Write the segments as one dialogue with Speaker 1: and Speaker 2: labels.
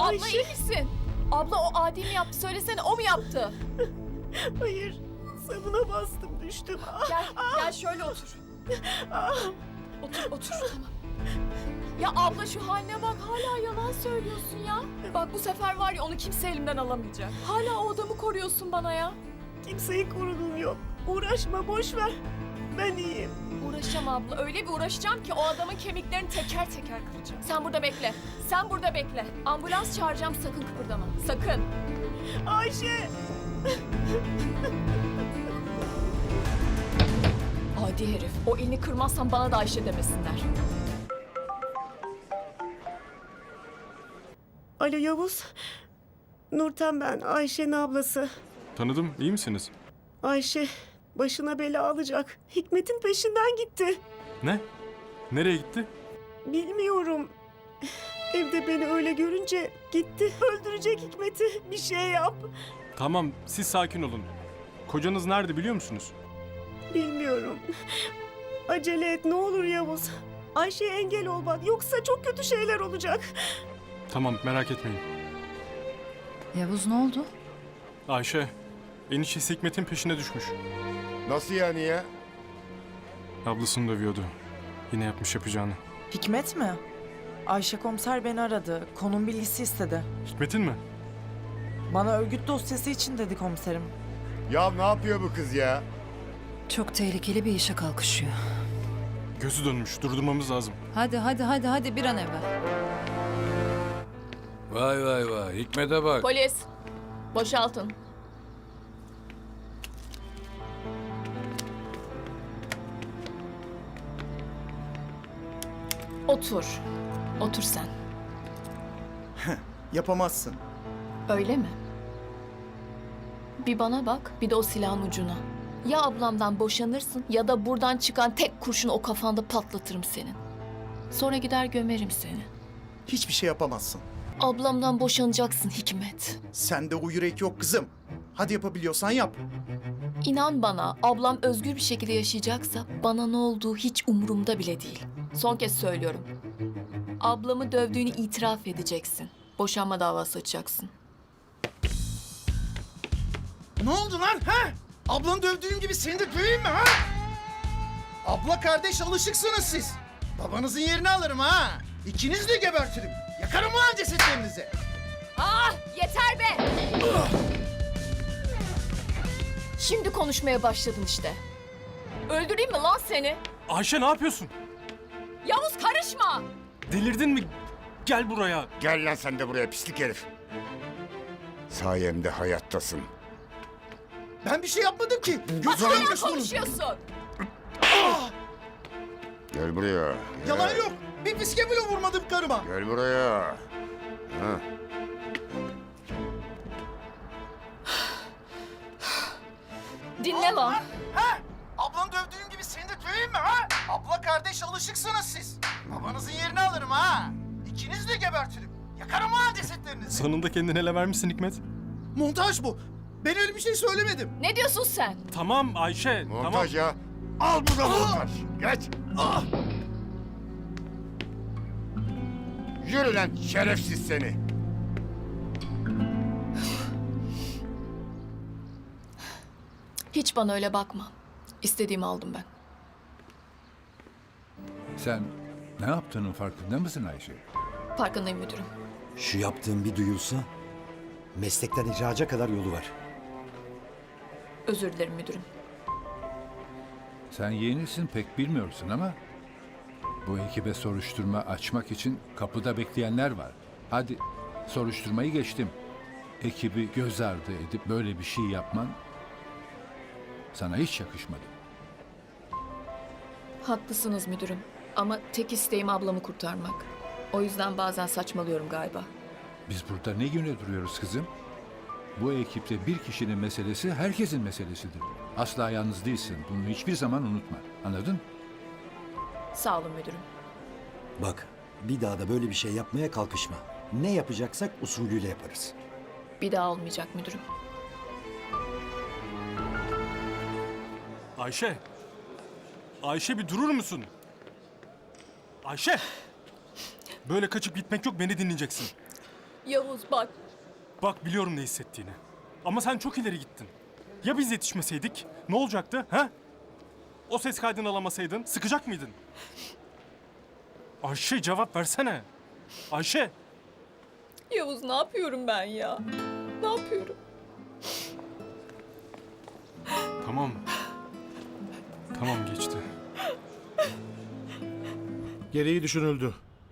Speaker 1: Abla iyi misin? Abla o Adi mi yaptı? Söylesene, o mu yaptı?
Speaker 2: Hayır. Sabuna bastım, düştüm.
Speaker 1: Gel şöyle otur. Otur tamam. Ya abla şu haline bak, hala yalan söylüyorsun ya. Bak bu sefer var ya, onu kimse elimden alamayacak. Hala o adamı koruyorsun bana ya.
Speaker 2: Kimseyi koruduğum yok. Uğraşma, boş ver. Ben iyiyim.
Speaker 1: Uğraşacağım abla, öyle bir uğraşacağım ki o adamın kemiklerini teker teker kıracağım. Sen burada bekle. Ambulans çağıracağım, sakın kıpırdama. Sakın.
Speaker 2: Ayşe!
Speaker 1: Adi herif, o elini kırmazsan bana da Ayşe demesinler.
Speaker 2: Alo Yavuz. Nurten ben, Ayşe'nin ablası.
Speaker 3: Tanıdım, iyi misiniz?
Speaker 2: Ayşe başına bela alacak. Hikmet'in peşinden gitti.
Speaker 3: Ne? Nereye gitti?
Speaker 2: Bilmiyorum. Evde beni öyle görünce gitti. Öldürecek Hikmet'i. Bir şey yap.
Speaker 3: Tamam, siz sakin olun. Kocanız nerede biliyor musunuz?
Speaker 2: Bilmiyorum. Acele et ne olur Yavuz. Ayşe'ye engel ol bak. Yoksa çok kötü şeyler olacak.
Speaker 3: Tamam, merak etmeyin.
Speaker 4: Yavuz ne oldu?
Speaker 3: Ayşe, eniştesi Hikmet'in peşine düşmüş.
Speaker 5: Nasıl yani ya?
Speaker 3: Ablasını dövüyordu. Yine yapmış yapacağını.
Speaker 6: Hikmet mi? Ayşe komiser beni aradı. Konum bilgisi istedi.
Speaker 3: Hikmet'in mi?
Speaker 6: Bana örgüt dosyası için dedi komiserim.
Speaker 5: Ya ne yapıyor bu kız ya?
Speaker 4: Çok tehlikeli bir işe kalkışıyor.
Speaker 3: Gözü dönmüş, durdurmamız lazım.
Speaker 4: Hadi bir an evvel.
Speaker 7: Vay Hikmet'e bak.
Speaker 1: Polis, boşaltın. Otur sen.
Speaker 8: Yapamazsın.
Speaker 1: Öyle mi? Bir bana bak, bir de o silahın ucuna. Ya ablamdan boşanırsın ya da buradan çıkan tek kurşunu o kafanda patlatırım senin. Sonra gider gömerim seni.
Speaker 8: Hiçbir şey yapamazsın.
Speaker 1: Ablamdan boşanacaksın Hikmet.
Speaker 8: Sende o yürek yok kızım. Hadi yapabiliyorsan yap.
Speaker 1: İnan bana, ablam özgür bir şekilde yaşayacaksa bana ne olduğu hiç umurumda bile değil. Son kez söylüyorum. Ablamı dövdüğünü itiraf edeceksin. Boşanma davası açacaksın.
Speaker 8: Ne oldu lan ha? Ablanı dövdüğüm gibi seni de döveyim mi ha? Abla kardeş alışıksınız siz. Babanızın yerini alırım ha. İkiniz de gebertirim. Yakarım ulan cesetlerinizi.
Speaker 1: Ah, yeter be! Şimdi konuşmaya başladın işte. Öldüreyim mi lan seni?
Speaker 3: Ayşe ne yapıyorsun?
Speaker 1: Yavuz karışma!
Speaker 3: Delirdin mi? Gel buraya.
Speaker 5: Gel lan sen de buraya pislik herif. Sayemde hayattasın.
Speaker 8: Ben bir şey yapmadım ki. Götü
Speaker 1: Hala
Speaker 8: dönmüş bunun.
Speaker 1: konuşuyorsun.
Speaker 5: Gel buraya. Gel.
Speaker 8: Yalan yok. Bir fiske bile vurmadım karıma.
Speaker 5: Gel buraya. Ha.
Speaker 1: Dinle lan.
Speaker 8: Ha? Ablanı dövdüğüm gibi seni de döveyim mi ha? Abla kardeş alışıksınız siz. Babanızın yerini alırım ha. İkiniz de gebertirim. Yakarım ulan cesetlerinizi.
Speaker 3: Sonunda kendine ele vermişsin Hikmet.
Speaker 8: Montaj bu. Ben öyle bir şey söylemedim.
Speaker 1: Ne diyorsun sen?
Speaker 3: Tamam Ayşe,
Speaker 5: Montaj ya. Al bu da montaj. Geç. Yürü lan şerefsiz seni.
Speaker 1: Hiç bana öyle bakma. İstediğimi aldım ben.
Speaker 7: Sen ne yaptığının farkında mısın Ayşe?
Speaker 1: Farkındayım müdürüm.
Speaker 9: Şu yaptığın bir duyulsa meslekten ihraca kadar yolu var.
Speaker 1: Özür dilerim müdürüm.
Speaker 7: Sen yenisin pek bilmiyorsun ama bu ekibe soruşturma açmak için kapıda bekleyenler var. Hadi soruşturmayı geçtim. Ekibi göz ardı edip böyle bir şey yapman sana hiç yakışmadı.
Speaker 1: Haklısınız müdürüm. Ama tek isteğim ablamı kurtarmak. O yüzden bazen saçmalıyorum galiba.
Speaker 7: Biz burada ne güne duruyoruz kızım? Bu ekipte bir kişinin meselesi herkesin meselesidir. Asla yalnız değilsin. Bunu hiçbir zaman unutma. Anladın?
Speaker 1: Sağ olun müdürüm.
Speaker 9: Bak, bir daha da böyle bir şey yapmaya kalkışma. Ne yapacaksak usulüyle yaparız.
Speaker 1: Bir daha olmayacak müdürüm.
Speaker 3: Ayşe. Ayşe bir durur musun? Ayşe. Böyle kaçıp gitmek yok, beni dinleyeceksin.
Speaker 1: Yavuz bak.
Speaker 3: Bak biliyorum ne hissettiğini. Ama sen çok ileri gittin. Ya biz yetişmeseydik? Ne olacaktı? Ha? O ses kaydını alamasaydın sıkacak mıydın? Ayşe cevap versene. Ayşe.
Speaker 1: Yavuz ne yapıyorum ben ya? Ne yapıyorum?
Speaker 3: Tamam. Tamam geçti.
Speaker 10: Gereği düşünüldü.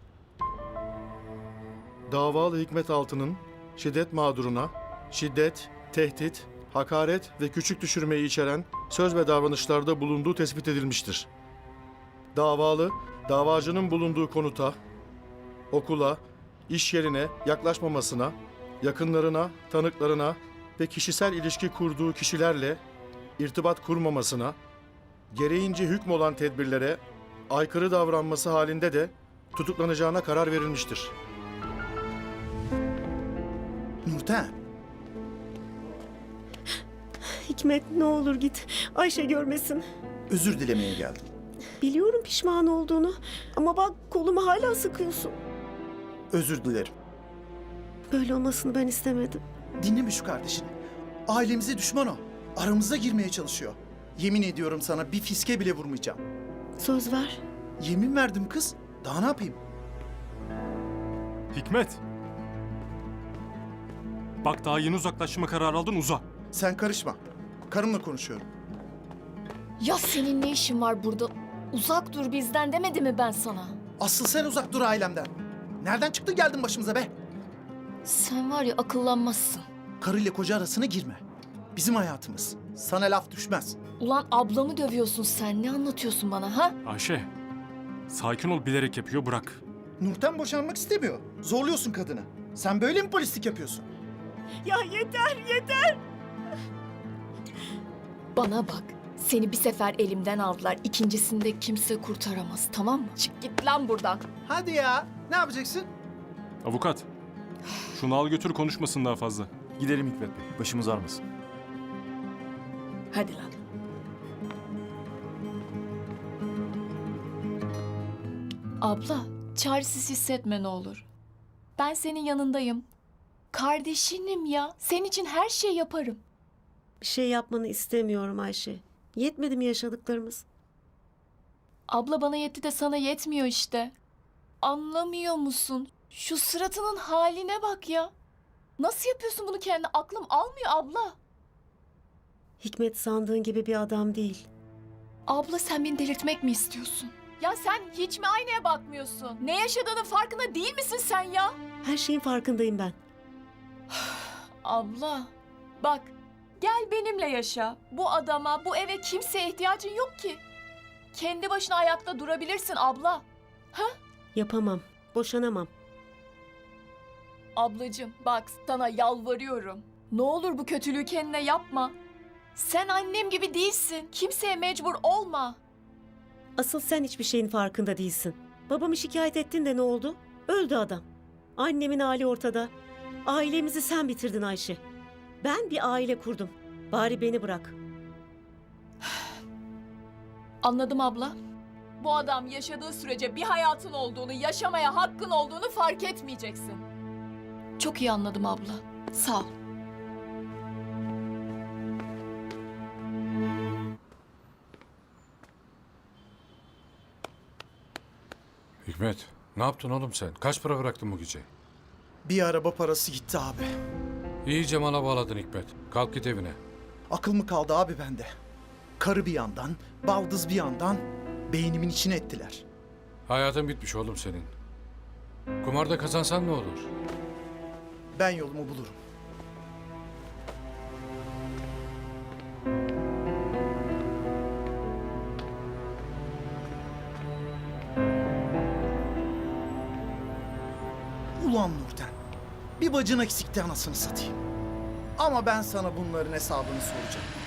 Speaker 10: Davalı Hikmet Altı'nın şiddet mağduruna şiddet, tehdit, hakaret ve küçük düşürmeyi içeren söz ve davranışlarda bulunduğu tespit edilmiştir. Davalı, davacının bulunduğu konuta, okula, iş yerine yaklaşmamasına, yakınlarına, tanıklarına ve kişisel ilişki kurduğu kişilerle irtibat kurmamasına, gereğince hükmolan tedbirlere aykırı davranması halinde de tutuklanacağına karar verilmiştir.
Speaker 8: Nurten,
Speaker 2: Hikmet ne olur git. Ayşe görmesin.
Speaker 8: özür dilemeye geldim.
Speaker 2: Biliyorum pişman olduğunu. Ama bak kolumu hala sıkıyorsun.
Speaker 8: Özür dilerim.
Speaker 2: Böyle olmasını ben istemedim.
Speaker 8: Dinleme şu kardeşini. Ailemize düşman o. Aramıza girmeye çalışıyor. Yemin ediyorum sana bir fiske bile vurmayacağım.
Speaker 2: Söz ver.
Speaker 8: Yemin verdim kız. Daha ne yapayım?
Speaker 3: Hikmet. Bak daha yeni uzaklaşma kararı aldın, uza.
Speaker 8: Sen karışma. Karımla konuşuyorum.
Speaker 1: Ya senin ne işin var burada? Uzak dur bizden demedi mi ben sana?
Speaker 8: Asıl sen uzak dur ailemden. Nereden çıktı geldin başımıza be?
Speaker 1: Sen var ya akıllanmazsın.
Speaker 8: Karıyla koca arasına girme. Bizim hayatımız. Sana laf düşmez.
Speaker 1: Ulan ablamı dövüyorsun sen. Ne anlatıyorsun bana ha?
Speaker 3: Ayşe. Sakin ol, bilerek yapıyor, bırak.
Speaker 8: Nurten boşanmak istemiyor. Zorluyorsun kadını. Sen böyle mi polislik yapıyorsun?
Speaker 2: Ya yeter yeter.
Speaker 1: Bana bak. Seni bir sefer elimden aldılar. İkincisinde kimse kurtaramaz, tamam mı? Çık git lan buradan.
Speaker 8: Hadi ya. Ne yapacaksın?
Speaker 3: Avukat. Şunu al götür, konuşmasın daha fazla.
Speaker 11: Gidelim Hikmet Bey. Başımız ağrımasın.
Speaker 1: Hadi lan. Abla, çaresiz hissetme ne olur. Ben senin yanındayım. Kardeşinim ya. Senin için her şey yaparım.
Speaker 2: Bir şey yapmanı istemiyorum Ayşe. Yetmedi mi yaşadıklarımız?
Speaker 1: Abla bana yetti de sana yetmiyor işte. Anlamıyor musun? Şu suratının haline bak ya. Nasıl yapıyorsun bunu kendine? Aklım almıyor abla.
Speaker 2: Hikmet sandığın gibi bir adam değil.
Speaker 1: Abla sen beni delirtmek mi istiyorsun? Ya sen hiç mi aynaya bakmıyorsun? Ne yaşadığının farkında değil misin sen ya?
Speaker 2: Her şeyin farkındayım ben.
Speaker 1: Abla bak gel benimle yaşa. Bu adama, bu eve kimseye ihtiyacın yok ki. Kendi başına ayakta durabilirsin abla.
Speaker 2: Yapamam. Boşanamam.
Speaker 1: Ablacığım bak sana yalvarıyorum. Ne olur bu kötülüğü kendine yapma. Sen annem gibi değilsin. Kimseye mecbur olma.
Speaker 2: Asıl sen hiçbir şeyin farkında değilsin. Babamı şikayet ettin de ne oldu? Öldü adam. Annemin hali ortada. Ailemizi sen bitirdin Ayşe. Ben bir aile kurdum. Bari beni bırak.
Speaker 1: Anladım abla. Bu adam yaşadığı sürece bir hayatın olduğunu, yaşamaya hakkın olduğunu fark etmeyeceksin. Çok iyi anladım abla. Sağ ol.
Speaker 12: Hikmet, ne yaptın oğlum sen? Kaç para bıraktın bu gece?
Speaker 8: Bir araba parası gitti abi.
Speaker 12: İyice mala bağladın Hikmet. Kalk git evine.
Speaker 8: Akıl mı kaldı abi bende? Karı bir yandan, baldız bir yandan beynimin içine ettiler.
Speaker 12: Hayatın bitmiş oğlum senin. Kumarda kazansan ne olur?
Speaker 8: Ben yolumu bulurum. Ulan Nurten, bir bacın eksikti anasını satayım. Ama ben sana bunların hesabını soracağım.